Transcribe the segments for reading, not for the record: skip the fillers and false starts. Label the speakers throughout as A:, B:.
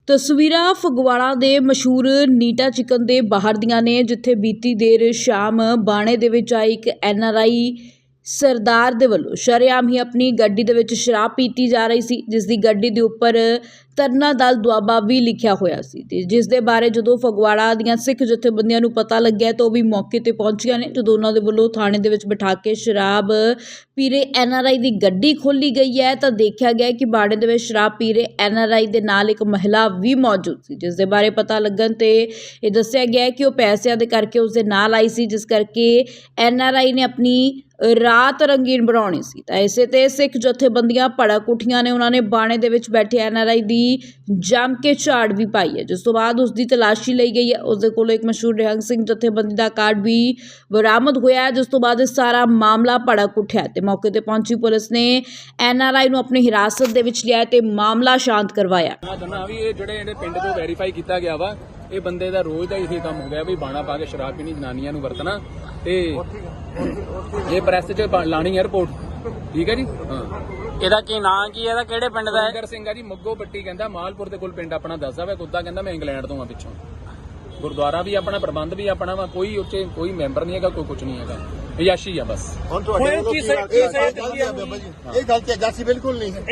A: ਤਸਵੀਰਾਂ ਫਗਵਾੜਾ ਦੇ ਮਸ਼ਹੂਰ ਨੀਟਾ ਚਿਕਨ ਦੇ ਬਾਹਰ ਦੀਆਂ ਨੇ, ਜਿੱਥੇ ਬੀਤੀ ਦੇਰ ਸ਼ਾਮ ਬਾਣੇ ਦੇ ਵਿੱਚ ਆਈ ਇੱਕ NRI ਸਰਦਾਰ ਦੇ ਵੱਲੋਂ ਸ਼ਰੇਆਮ ਹੀ ਆਪਣੀ ਗੱਡੀ ਦੇ ਵਿੱਚ ਸ਼ਰਾਬ ਪੀਤੀ ਜਾ ਰਹੀ ਸੀ, ਜਿਸ ਦੀ ਗੱਡੀ ਦੇ ਉੱਪਰ ਤਰਨਾ ਦਲ ਦੁਆਬਾ ਵੀ ਲਿਖਿਆ ਹੋਇਆ ਸੀ ਤੇ ਜਿਸ ਦੇ ਬਾਰੇ ਜਦੋਂ ਫਗਵਾੜਾ ਦੀਆਂ ਸਿੱਖ ਜਥੇਬੰਦੀਆਂ ਨੂੰ ਪਤਾ ਲੱਗਿਆ ਤਾਂ ਉਹ ਵੀ ਮੌਕੇ ਤੇ ਪਹੁੰਚੀਆਂ ਨੇ। ਜਦੋਂ ਉਹਨਾਂ ਦੇ ਵੱਲੋਂ ਥਾਣੇ ਦੇ ਵਿੱਚ ਬਿਠਾ ਕੇ ਸ਼ਰਾਬ ਪੀ ਰਹੇ NRI ਦੀ ਗੱਡੀ ਖੋਲੀ ਗਈ ਹੈ ਤਾਂ ਦੇਖਿਆ ਗਿਆ ਕਿ ਬਾੜੇ ਦੇ ਵਿੱਚ ਸ਼ਰਾਬ ਪੀ ਰਹੇ NRI ਦੇ ਨਾਲ ਇੱਕ ਮਹਿਲਾ ਵੀ ਮੌਜੂਦ ਸੀ, ਜਿਸ ਦੇ ਬਾਰੇ ਪਤਾ ਲੱਗਣ ਤੇ ਇਹ ਦੱਸਿਆ ਗਿਆ ਕਿ ਉਹ ਪੈਸਿਆਂ ਦੇ ਕਰਕੇ ਉਸ ਦੇ ਨਾਲ ਆਈ ਸੀ, ਜਿਸ ਕਰਕੇ NRI ਨੇ ਆਪਣੀ ਰਾਤ ਰੰਗੀਨ ਬਣਾਉਣੀ ਸੀ ਤਾਂ ਇਸੇ ਤੇ ਸਿੱਖ ਜਥੇਬੰਦੀਆਂ ਭੜਕ ਉੱਠੀਆਂ ਨੇ। ਉਹਨਾਂ ਨੇ ਬਾਣੇ ਦੇ ਵਿੱਚ ਬੈਠੇ NRI ਦੀ ਜੰਮ ਕੇ ਝਾੜ ਵੀ ਪਾਈ ਹੈ, ਜਿਸ ਤੋਂ ਬਾਅਦ ਉਸ ਦੀ ਤਲਾਸ਼ੀ ਲਈ ਗਈ ਹੈ। ਉਸ ਦੇ ਕੋਲੋਂ ਇੱਕ ਮਸ਼ਹੂਰ ਨਿਹੰਗ ਸਿੰਘ ਜਥੇਬੰਦੀ ਦਾ ਕਾਰਡ ਵੀ ਬਰਾਮਦ ਹੋਇਆ ਹੈ, ਜਿਸ ਤੋਂ ਬਾਅਦ ਇਹ ਸਾਰਾ ਮਾਮਲਾ ਭੜਕ ਉੱਠਿਆ ਤੇ ਮੌਕੇ ਤੇ ਪਹੁੰਚੀ ਪੁਲਿਸ ਨੇ NRI ਨੂੰ ਆਪਣੀ ਹਿਰਾਸਤ ਦੇ ਵਿੱਚ ਲਿਆ ਤੇ ਮਾਮਲਾ ਸ਼ਾਂਤ ਕਰਵਾਇਆ।
B: ਮੈਂ ਚਾਹੁੰਦਾ ਵੀ ਇਹ ਜਿਹੜੇ ਪਿੰਡ ਤੋਂ ਵੈਰੀਫਾਈ ਕੀਤਾ ਗਿਆ ਵਾ, ਇਹ ਬੰਦੇ ਦਾ ਰੋਜ਼ ਦਾ ਇਹੀ ਕੰਮ ਹੋ ਗਿਆ ਵੀ ਬਾਣਾ ਪਾ ਕੇ ਸ਼ਰਾਬ ਪੀਣੀ, ਜਨਾਨੀਆਂ ਨੂੰ ਵਰਤਣਾ ਤੇ ਇਹ ਪ੍ਰੈਸ 'ਚ ਲਾਣੀ ਹੈ ਰਿਪੋਰਟ। ਠੀਕ ਹੈ ਜੀ। ਹਾਂ,
C: ਇਹਦਾ ਕੀ ਨਾਂ ਕੀ ਹੈ? ਇਹਦਾ ਕਿਹੜੇ ਪਿੰਡ ਦਾ ਹੈ?
B: ਸਿੰਗਰ ਸਿੰਘ ਆ ਜੀ, ਮੱਗੋ ਪੱਟੀ ਕਹਿੰਦਾ, ਮਾਲਪੁਰ ਦੇ ਕੋਲ ਪਿੰਡ ਆਪਣਾ ਦੱਸਦਾ ਵਾ। ਕੁੱਤਾ ਕਹਿੰਦਾ ਮੈਂ ਇੰਗਲੈਂਡ ਤੋਂ ਆ ਪਿੱਛੋਂ। ਗੁਰਦੁਆਰਾ ਵੀ ਆਪਣਾ, ਪ੍ਰਬੰਧ ਵੀ ਆਪਣਾ ਵਾ, ਕੋਈ ਉੱਚੇ ਕੋਈ ਮੈਂਬਰ ਨਹੀਂ ਹੈਗਾ, ਕੋਈ ਕੁਝ ਨਹੀਂ ਹੈਗਾ, ਅਯਾਸ਼ੀ ਆ ਬਸ।
D: ਹੁਣ ਤੁਹਾਡੇ ਵੱਲੋਂ ਕੀ ਇਹ ਗਲਤ ਹੈ, ਜਾਸੀ ਬਿਲਕੁਲ ਨਹੀਂ ਹੈ।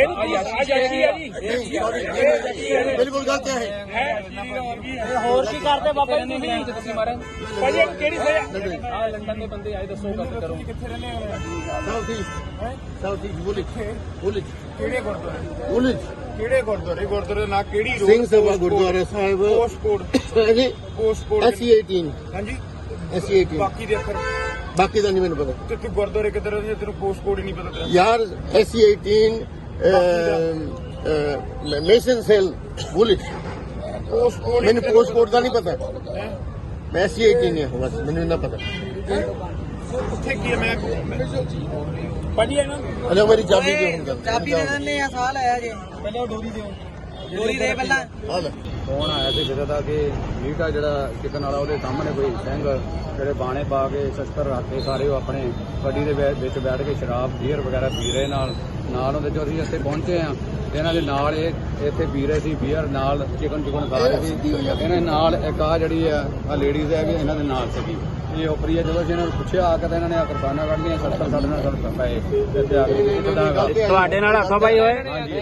D: ਬਿਲਕੁਲ ਗਲਤ ਹੈ।
C: ਹੋਰ ਕੀ ਕਰਦੇ ਬਾਬਾ ਜੀ
B: ਤੁਸੀਂ ਮਾਰੇ
C: ਭਾਜੀ ਕਿਹੜੀ ਸਜ਼ਾ?
B: ਆ ਲੰਡਨ ਦੇ ਬੰਦੇ ਆਏ, ਦੱਸੋ ਗੱਲ ਕਰੋ।
D: ਕਿੱਥੇ ਰਹਿੰਦੇ ਹੋ? ਸਾਊਥ ਈਸਟ ਬੁਲਿਚ
C: ਕਿਹੜੇ ਗੁਰਦੁਆਰੇ?
D: ਬੁਲਿਚ
E: ਕਿਹੜੇ ਗੁਰਦੁਆਰੇ ਨਾ ਕਿਹੜੀ
D: ਸਿੰਘ ਸਭਾ ਗੁਰਦੁਆਰਾ ਸਾਹਿਬ
E: ਪੋਸਟਕੋਡ
D: ਜੀ
E: ਪੋਸਟਕੋਡ
D: SC18
E: ਹਾਂਜੀ
D: SC18
E: ਬਾਕੀ ਦੇ ਅੱਖਰ
D: ਬਾਕੀ ਦਾ ਨਹੀਂ ਮੈਨੂੰ ਪਤਾ
E: ਤੇ ਤੂੰ ਗੁਰਦੁਆਰੇ ਕਿੱਧਰ ਰਹਿੰਦੇ ਤੈਨੂੰ ਪੋਸਟਕੋਡ ਹੀ ਨਹੀਂ ਪਤਾ ਤੇਰਾ
D: ਯਾਰ। SC18 Mason cell ਬੁਲਿਚ।
E: ਪੋਸਟਕੋਡ
D: ਮੈਨੂੰ ਪੋਸਟਕੋਡ ਦਾ ਨਹੀਂ ਪਤਾ, ਮੈਂ SC18 ਹਾਂ ਬਸ, ਮੈਨੂੰ ਇੰਨਾ ਪਤਾ।
E: ਉੱਥੇ ਕੀ ਹੈ? ਮੈਂ
C: ਭਾਜੀ ਇਹਨਾਂ
D: ਹਲੋ ਮੇਰੀ ਚਾਬੀ ਦਿਓ ਹੁਣ ਗੱਲ।
F: ਚਾਬੀ ਦੇ ਦਿੰਦੇ ਆ, ਸਾਲ ਆਇਆ ਜੇ
C: ਪਹਿਲਾਂ ਡੋਰੀ ਦਿਓ।
F: ਡੋਰੀ ਦੇ ਪਹਿਲਾਂ।
D: ਆ ਲੈ
G: ਫੋਨ ਆਇਆ ਸੀ ਜਿਹਦਾ ਦਾ ਕਿ ਨੀਟਾ ਜਿਹੜਾ ਚਿਕਨ ਵਾਲਾ, ਉਹਦੇ ਸਾਹਮਣੇ ਕੋਈ ਸਿੰਘ ਜਿਹੜੇ ਬਾਣੇ ਪਾ ਕੇ ਸ਼ਸਤਰ ਰੱਖ ਕੇ ਸਾਰੇ ਉਹ ਆਪਣੇ ਗੱਡੀ ਦੇ ਵਿੱਚ ਬੈਠ ਕੇ ਸ਼ਰਾਬ ਬੀਅਰ ਵਗੈਰਾ ਪੀ ਰਹੇ ਨਾਲ ਉਹਦੇ ਜੋ ਅਸੀਂ ਇੱਥੇ ਪਹੁੰਚੇ ਆ। ਇਹਨਾਂ ਦੇ ਨਾਲ ਇਹ ਇੱਥੇ ਪੀ ਰਹੇ ਸੀ ਬੀਅਰ, ਨਾਲ ਚਿਕਨ ਖਾ ਰਹੇ ਸੀ। ਇਹਨਾਂ ਨਾਲ ਇੱਕ ਆ ਜਿਹੜੀ ਆ ਲੇਡੀਜ਼ ਹੈ, ਇਹਨਾਂ ਦੇ ਨਾਲ ਸੀਗੀ। ਇਹ ਉਪਰੀ ਹੈ। ਜਦੋਂ ਅਸੀਂ ਇਹਨਾਂ ਨੂੰ ਪੁੱਛਿਆ ਆ ਕੇ ਤਾਂ ਇਹਨਾਂ ਨੇ ਕਿਰਪਾਨਾਂ ਕੱਢ ਲਈਆਂ, ਸ਼ਸਤਰ ਸਾਡੇ ਨਾਲ ਸੜ ਪਏ ਇੱਥੇ ਆ ਕੇ।
C: ਤੁਹਾਡੇ ਨਾਲ ਹੱਥੋਂ ਪਾਈ ਹੋਏ?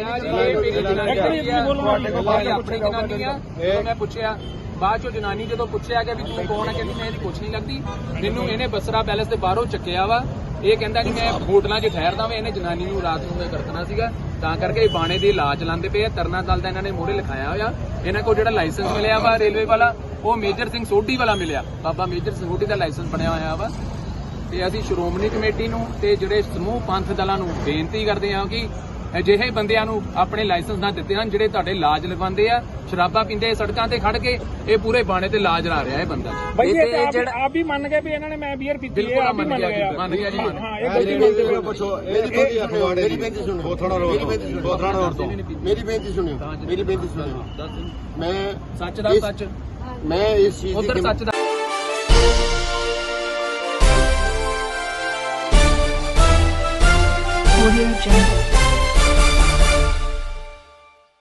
B: ਆਪਣੀ ਜਨਾਨੀ ਆ। ਮੈਂ ਪੁੱਛਿਆ ਬਾਅਦ ਚੋਂ, ਜਨਾਨੀ ਜਦੋਂ ਪੁੱਛਿਆ ਕਿ ਵੀ ਤੂੰ ਕੌਣ ਹੈ, ਕਹਿੰਦੀ ਮੈਂ ਇਹਦੀ ਕੁਛ ਨਹੀਂ ਲੱਗਦੀ। ਮੈਨੂੰ ਇਹਨੇ ਬਸਰਾ ਪੈਲੇਸ ਦੇ ਬਾਹਰੋਂ ਚੱਕਿਆ ਵਾ। ਇਹ ਕਹਿੰਦਾ ਕਿ ਮੈਂ ਹੋਟਲਾਂ 'ਚ ਠਹਿਰਦਾ ਵਾ। ਇਹਨੇ ਜਨਾਨੀ ਨੂੰ ਰਾਤ ਨੂੰ ਕਰਤਨਾ ਸੀਗਾ, ਤਾਂ ਕਰਕੇ ਇਹ ਬਾਣੇ ਦੀ ਇਲਾਜ ਲਾਉਂਦੇ ਪਏ ਆ। ਤਰਨਾ ਦਲ ਦਾ ਇਹਨਾਂ ਨੇ ਮੋਹਰੇ ਲਿਖਾਇਆ ਹੋਇਆ। ਇਹਨਾਂ ਕੋਲ ਜਿਹੜਾ ਲਾਇਸੈਂਸ ਮਿਲਿਆ ਵਾ ਰੇਲਵੇ ਵਾਲਾ, ਉਹ ਮੇਜਰ ਸਿੰਘ ਸੋਢੀ ਵਾਲਾ ਮਿਲਿਆ। ਬਾਬਾ ਮੇਜਰ ਸਿੰਘ ਸੋਢੀ ਦਾ ਲਾਇਸੈਂਸ ਬਣਿਆ ਹੋਇਆ ਵਾ। ਤੇ ਅਸੀਂ ਸ਼੍ਰੋਮਣੀ ਕਮੇਟੀ ਨੂੰ ਤੇ ਜਿਹੜੇ ਸਮੂਹ ਪੰਥ ਦਲਾਂ ਨੂੰ ਬੇਨਤੀ ਕਰਦੇ ਹਾਂ ਕਿ ਅਜਿਹੇ ਬੰਦਿਆਂ ਨੂੰ ਆਪਣੇ ਲਾਇਸੈਂਸ ਨਾ ਦਿੱਤੇ ਹਨ, ਜਿਹੜੇ ਤੁਹਾਡੇ ਲਾਜ ਲਗਵਾਉਂਦੇ ਆ, ਸ਼ਰਾਬਾਂ ਪੀਂਦੇ ਸੜਕਾਂ ਤੇ ਖੜ ਕੇ। ਇਹ ਪੂਰੇ ਬਾਣੇ ਤੇ ਲਾਜ ਲਾ ਰਿਹਾ ਇਹ ਬੰਦਾ।
C: ਭਾਈ ਇਹ ਜਿਹੜਾ ਆਪ ਵੀ ਮੰਨ ਗਏ ਵੀ ਇਹਨਾਂ ਨੇ ਮੈਂ ਬੀਅਰ ਪੀਤੀ ਹੈ, ਆਪ ਵੀ ਮੰਨ ਗਿਆ।
B: ਮੰਨ ਗਿਆ ਜੀ, ਮੰਨ
C: ਹਾਂ, ਇਹ ਗਲਤੀ
D: ਪੁੱਛੋ। ਮੇਰੀ ਬੇਨਤੀ ਸੁਣੋ। ਬੋਥੜਾ ਰੋਡ ਤੋਂ ਮੇਰੀ ਬੇਨਤੀ ਸੁਣਿਓ। ਮੈਂ
B: ਸੱਚ ਦਾ ਸੱਚ,
D: ਮੈਂ ਇਸ ਚੀਜ਼
B: ਉਧਰ ਸੱਚ ਦਾ
A: Audio Jungle।